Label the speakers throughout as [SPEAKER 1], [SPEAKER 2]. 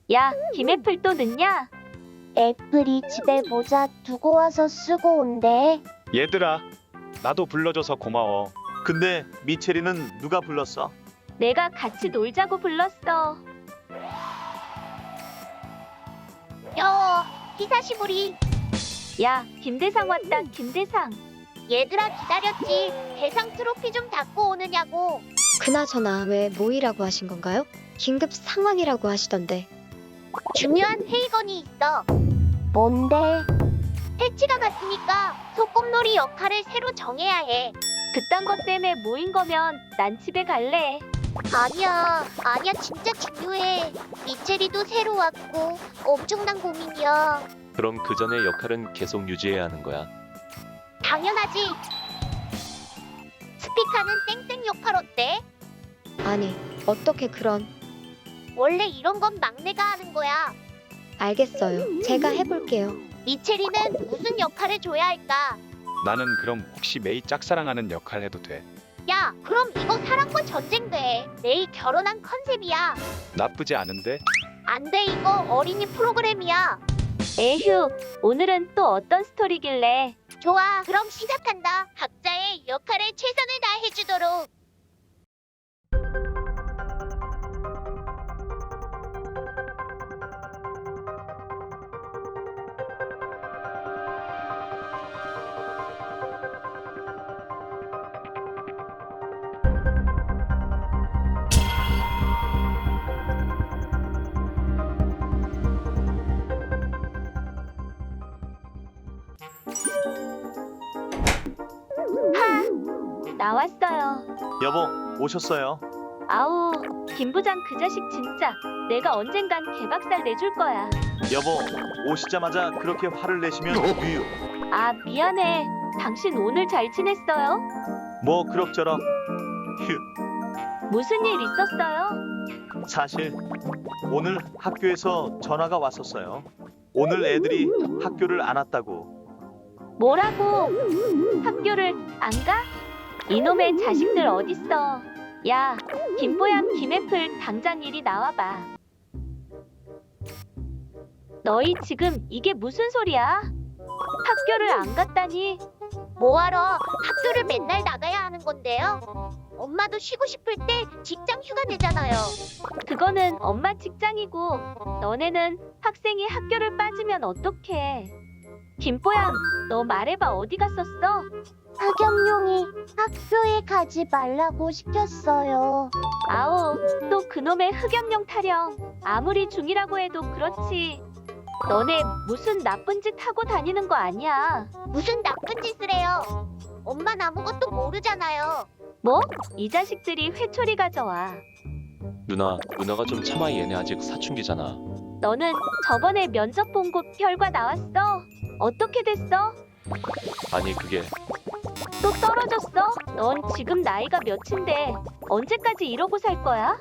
[SPEAKER 1] 야, 김애플 또 늦냐?
[SPEAKER 2] 애플이 집에 모자 두고 와서 쓰고 온대.
[SPEAKER 3] 얘들아, 나도 불러줘서 고마워.
[SPEAKER 4] 근데 미체리는 누가 불렀어?
[SPEAKER 1] 내가 같이 놀자고 불렀어.
[SPEAKER 2] 히사시부리.
[SPEAKER 1] 야, 김대상 왔다, 김대상.
[SPEAKER 2] 얘들아 기다렸지. 대상 트로피 좀 갖고 오느냐고.
[SPEAKER 5] 그나저나 왜 모이라고 하신 건가요? 긴급 상황이라고 하시던데.
[SPEAKER 2] 중요한 회의건이 있어. 뭔데? 패치가 갔으니까 소꿉놀이 역할을 새로 정해야 해.
[SPEAKER 1] 그딴 것 때문에 모인 거면 난 집에 갈래.
[SPEAKER 2] 아니야 진짜 중요해. 미체리도 새로 왔고 엄청난 고민이야.
[SPEAKER 6] 그럼 그 전에 역할은 계속 유지해야 하는 거야.
[SPEAKER 2] 당연하지. 스피카는 땡땡 역할 어때?
[SPEAKER 5] 아니, 어떻게 그런...
[SPEAKER 2] 원래 이런 건 막내가 하는 거야.
[SPEAKER 5] 알겠어요. 제가 해볼게요.
[SPEAKER 2] 미체리는 무슨 역할을 줘야 할까?
[SPEAKER 3] 나는 그럼 혹시 메이 짝사랑하는 역할 해도 돼?
[SPEAKER 2] 야, 그럼 이거 사랑과 전쟁 돼. 내일 결혼한 컨셉이야.
[SPEAKER 3] 나쁘지 않은데?
[SPEAKER 2] 안 돼, 이거 어린이 프로그램이야.
[SPEAKER 1] 에휴, 오늘은 또 어떤 스토리길래?
[SPEAKER 2] 좋아, 그럼 시작한다. 각자의 역할에 최선을 다해주도록.
[SPEAKER 1] 나왔어요.
[SPEAKER 4] 여보, 오셨어요.
[SPEAKER 1] 아우, 김 부장 그 자식 진짜. 내가 언젠간 개박살 내줄 거야.
[SPEAKER 4] 여보, 오시자마자 그렇게 화를 내시면 유유.
[SPEAKER 1] 아, 미안해. 당신 오늘 잘 지냈어요?
[SPEAKER 4] 뭐 그럭저럭. 휴.
[SPEAKER 1] 무슨 일 있었어요?
[SPEAKER 4] 사실 오늘 학교에서 전화가 왔었어요. 오늘 애들이 학교를 안 왔다고.
[SPEAKER 1] 뭐라고? 학교를 안 가? 이놈의 자식들 어딨어? 야, 김보양, 김애플 당장 이리 나와봐. 너희 지금 이게 무슨 소리야? 학교를 안 갔다니?
[SPEAKER 2] 뭐하러 학교를 맨날 나가야 하는 건데요? 엄마도 쉬고 싶을 때 직장 휴가 내잖아요.
[SPEAKER 1] 그거는 엄마 직장이고 너네는 학생이 학교를 빠지면 어떡해? 김보양, 너 말해봐. 어디 갔었어?
[SPEAKER 2] 하겸용이 학교에 가지 말라고 시켰어요.
[SPEAKER 1] 아우, 또 그놈의 흑염룡 타령. 아무리 중이라고 해도 그렇지. 너네 무슨 나쁜 짓 하고 다니는 거 아니야?
[SPEAKER 2] 무슨 나쁜 짓을 해요? 엄만 아무것도 모르잖아요.
[SPEAKER 1] 뭐? 이 자식들이 회초리 가져와.
[SPEAKER 6] 누나가 좀 참아. 얘네 아직 사춘기잖아.
[SPEAKER 1] 너는 저번에 면접 본 곳 결과 나왔어? 어떻게 됐어?
[SPEAKER 6] 아니 그게
[SPEAKER 1] 또 떨어졌어? 넌 지금 나이가 몇인데 언제까지 이러고 살 거야?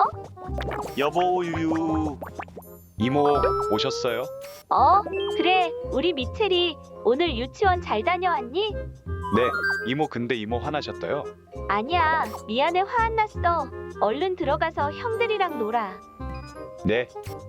[SPEAKER 4] 여보, 유유.
[SPEAKER 3] 이모 오셨어요?
[SPEAKER 1] 그래. 우리 미첼이 오늘 유치원 잘 다녀왔니?
[SPEAKER 3] 네, 이모. 근데 이모 화나셨어요?
[SPEAKER 1] 아니야, 미안해. 화 안 났어. 얼른 들어가서 형들이랑 놀아.
[SPEAKER 3] 네.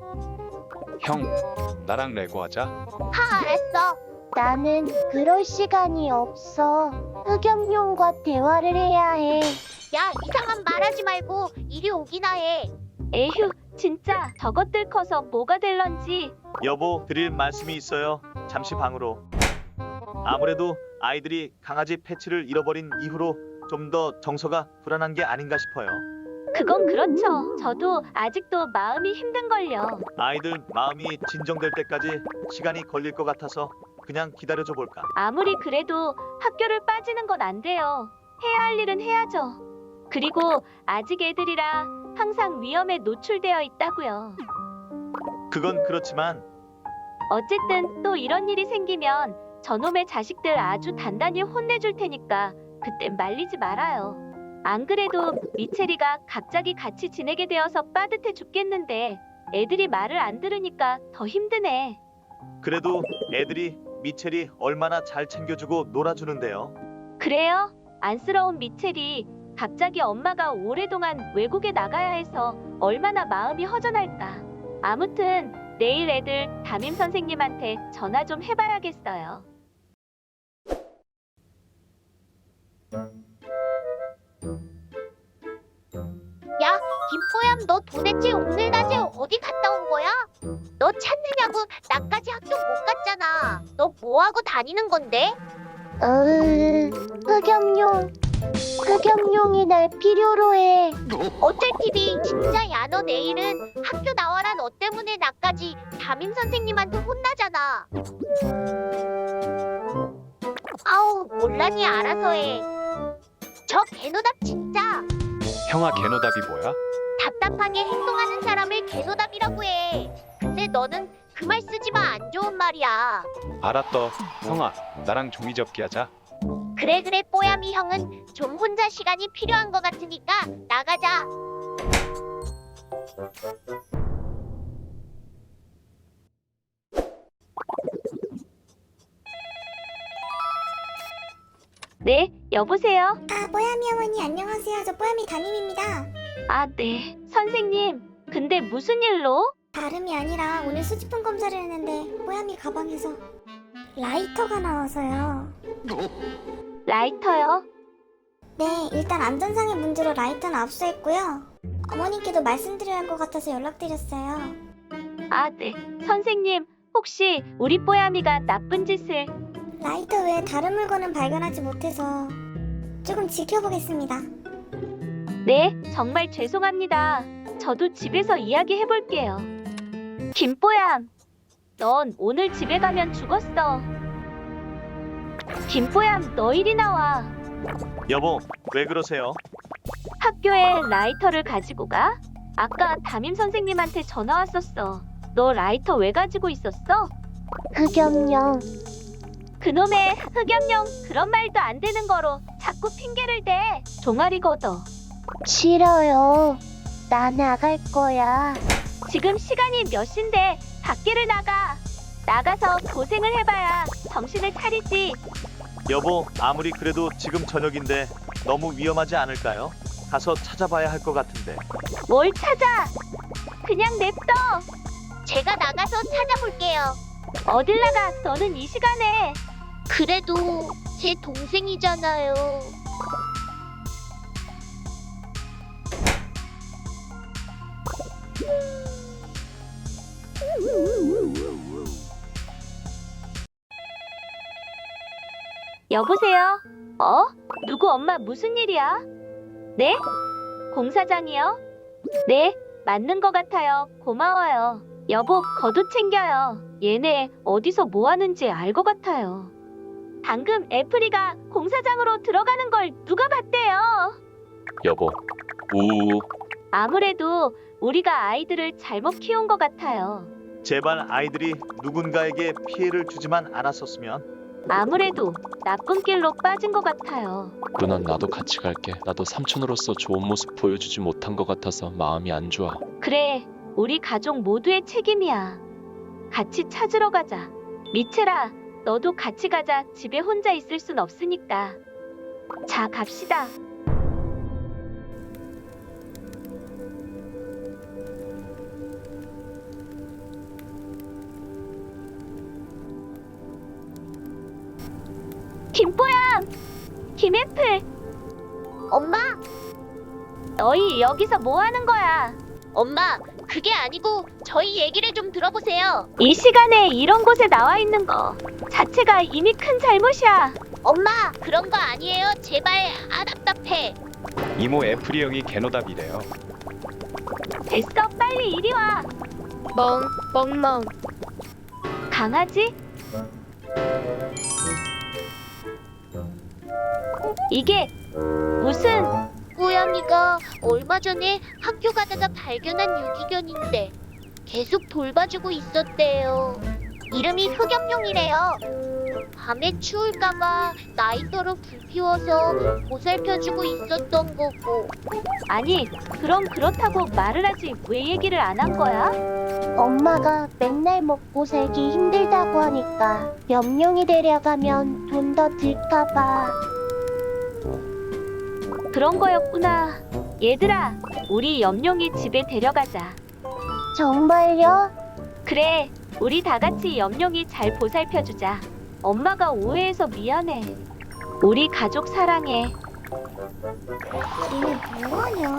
[SPEAKER 3] 형, 나랑 레고 하자.
[SPEAKER 2] 알았어. 나는 그럴 시간이 없어. 흑염룡과 대화를 해야 해. 야, 이상한 말하지 말고 이리 오기나 해.
[SPEAKER 1] 에휴, 진짜 저것들 커서 뭐가 될런지.
[SPEAKER 4] 여보, 드릴 말씀이 있어요. 잠시 방으로. 아무래도 아이들이 강아지 패치를 잃어버린 이후로 좀 더 정서가 불안한 게 아닌가 싶어요.
[SPEAKER 1] 그건 그렇죠. 저도 아직도 마음이 힘든걸요.
[SPEAKER 4] 아이들 마음이 진정될 때까지 시간이 걸릴 것 같아서 그냥 기다려줘 볼까.
[SPEAKER 1] 아무리 그래도 학교를 빠지는 건 안 돼요. 해야 할 일은 해야죠. 그리고 아직 애들이라 항상 위험에 노출되어 있다고요.
[SPEAKER 4] 그건 그렇지만
[SPEAKER 1] 어쨌든 또 이런 일이 생기면 저놈의 자식들 아주 단단히 혼내줄 테니까 그땐 말리지 말아요. 안 그래도 미체리가 갑자기 같이 지내게 되어서 빠듯해 죽겠는데 애들이 말을 안 들으니까 더 힘드네.
[SPEAKER 4] 그래도 애들이 미첼이 얼마나 잘 챙겨주고 놀아주는데요.
[SPEAKER 1] 그래요? 안쓰러운 미첼이 갑자기 엄마가 오랫동안 외국에 나가야 해서 얼마나 마음이 허전할까. 아무튼 내일 애들 담임 선생님한테 전화 좀 해봐야겠어요.
[SPEAKER 2] 야, 김뽀얌, 너 도대체 오늘 낮에 어디 갔다 온 거야? 너 찾느냐고 나까지 학교 못 갔잖아. 너 뭐하고 다니는 건데? 흑염룡이 날 필요로 해. 어쩔 TV, 진짜 야, 너 내일은 학교 나와라. 너 때문에 나까지 담임 선생님한테 혼나잖아. 아우, 몰라니 알아서 해. 저 개노답 진짜.
[SPEAKER 3] 형아 개노답이 뭐야?
[SPEAKER 2] 답답하게 행동하는 사람을 개노답이라고 해. 근데 너는 그 말 쓰지 마. 안 좋은 말이야.
[SPEAKER 3] 알았어. 형아 나랑 종이접기 하자.
[SPEAKER 2] 그래 뽀야미 형은 좀 혼자 시간이 필요한 것 같으니까 나가자.
[SPEAKER 1] 네, 여보세요?
[SPEAKER 7] 아, 뽀야미 어머니 안녕하세요. 저 뽀야미 담임입니다.
[SPEAKER 1] 아, 네. 선생님, 근데 무슨 일로?
[SPEAKER 7] 다름이 아니라 오늘 수집품 검사를 했는데 뽀야미 가방에서 라이터가 나와서요.
[SPEAKER 1] 라이터요?
[SPEAKER 7] 네, 일단 안전상의 문제로 라이터는 압수했고요. 어머님께도 말씀드려야 할 것 같아서 연락드렸어요.
[SPEAKER 1] 아, 네. 선생님, 혹시 우리 뽀야미가 나쁜 짓을...
[SPEAKER 7] 라이터 외에 다른 물건은 발견하지 못해서 조금 지켜보겠습니다.
[SPEAKER 1] 네, 정말 죄송합니다. 저도 집에서 이야기해볼게요. 김뽀얌, 넌 오늘 집에 가면 죽었어. 김뽀얌, 너 이리 나와.
[SPEAKER 4] 여보, 왜 그러세요?
[SPEAKER 1] 학교에 라이터를 가지고 가? 아까 담임 선생님한테 전화 왔었어. 너 라이터 왜 가지고 있었어?
[SPEAKER 2] 흑염룡.
[SPEAKER 1] 그놈의 흑염룡, 그런 말도 안 되는 거로 자꾸 핑계를 대. 종아리 걷어.
[SPEAKER 2] 싫어요. 나 나갈 거야.
[SPEAKER 1] 지금 시간이 몇 시인데 밖에를 나가. 나가서 고생을 해봐야 정신을 차리지.
[SPEAKER 4] 여보, 아무리 그래도 지금 저녁인데 너무 위험하지 않을까요? 가서 찾아봐야 할 것 같은데.
[SPEAKER 1] 뭘 찾아? 그냥 냅둬.
[SPEAKER 2] 제가 나가서 찾아볼게요.
[SPEAKER 1] 어딜 나가, 너는 이 시간에.
[SPEAKER 2] 그래도 제 동생이잖아요.
[SPEAKER 1] 여보세요? 누구 엄마 무슨 일이야? 네? 공사장이요? 네, 맞는 것 같아요. 고마워요. 여보, 겉옷 챙겨요. 얘네 어디서 뭐 하는지 알 것 같아요. 방금 애플이가 공사장으로 들어가는 걸 누가 봤대요?
[SPEAKER 6] 여보. 우우.
[SPEAKER 1] 아무래도 우리가 아이들을 잘못 키운 것 같아요.
[SPEAKER 4] 제발 아이들이 누군가에게 피해를 주지만 않았었으면.
[SPEAKER 1] 아무래도 나쁜 길로 빠진 것 같아요.
[SPEAKER 6] 누난 나도 같이 갈게. 나도 삼촌으로서 좋은 모습 보여주지 못한 것 같아서 마음이 안 좋아.
[SPEAKER 1] 그래, 우리 가족 모두의 책임이야. 같이 찾으러 가자. 미첼아, 너도 같이 가자. 집에 혼자 있을 순 없으니까. 자, 갑시다. 김뽀얌! 김애플!
[SPEAKER 2] 엄마,
[SPEAKER 1] 너희 여기서 뭐 하는 거야?
[SPEAKER 2] 엄마, 그게 아니고 저희 얘기를 좀 들어보세요.
[SPEAKER 1] 이 시간에 이런 곳에 나와 있는 거 자체가 이미 큰 잘못이야.
[SPEAKER 2] 엄마, 그런 거 아니에요. 제발. 아, 답답해.
[SPEAKER 3] 이모 애플이 형이 개노답이래요.
[SPEAKER 1] 됐어, 빨리 이리 와.
[SPEAKER 5] 멍멍.
[SPEAKER 1] 강아지? 이게 무슨...
[SPEAKER 2] 뽀야미가 얼마 전에 학교 가다가 발견한 유기견인데 계속 돌봐주고 있었대요. 이름이 흑염룡이래요. 밤에 추울까봐 라이터로 불 피워서 보살펴주고 있었던 거고.
[SPEAKER 1] 아니, 그럼 그렇다고 말을 하지 왜 얘기를 안 한 거야?
[SPEAKER 2] 엄마가 맨날 먹고 살기 힘들다고 하니까 염룡이 데려가면 돈 더 들까봐.
[SPEAKER 1] 그런 거였구나. 얘들아, 우리 염룡이 집에 데려가자.
[SPEAKER 2] 정말요?
[SPEAKER 1] 그래, 우리 다 같이 염룡이 잘 보살펴주자. 엄마가 오해해서 미안해. 우리 가족 사랑해.
[SPEAKER 7] 니네 뭐하냐?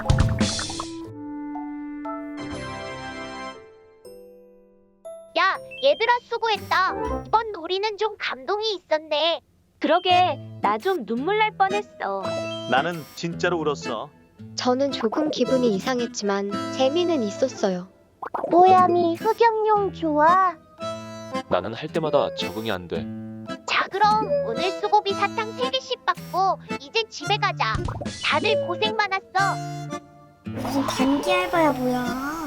[SPEAKER 2] 야, 얘들아 수고했다. 이번 놀이는 좀 감동이 있었네.
[SPEAKER 1] 그러게, 나 좀 눈물 날 뻔했어.
[SPEAKER 4] 나는 진짜로 울었어.
[SPEAKER 5] 저는 조금 기분이 이상했지만 재미는 있었어요.
[SPEAKER 2] 뽀야미 흑염룡 좋아.
[SPEAKER 6] 나는 할 때마다 적응이 안 돼.
[SPEAKER 2] 자, 그럼 오늘 수고비 사탕 3개씩 받고 이제 집에 가자. 다들 고생 많았어.
[SPEAKER 7] 무슨 단기 알바야 뭐야?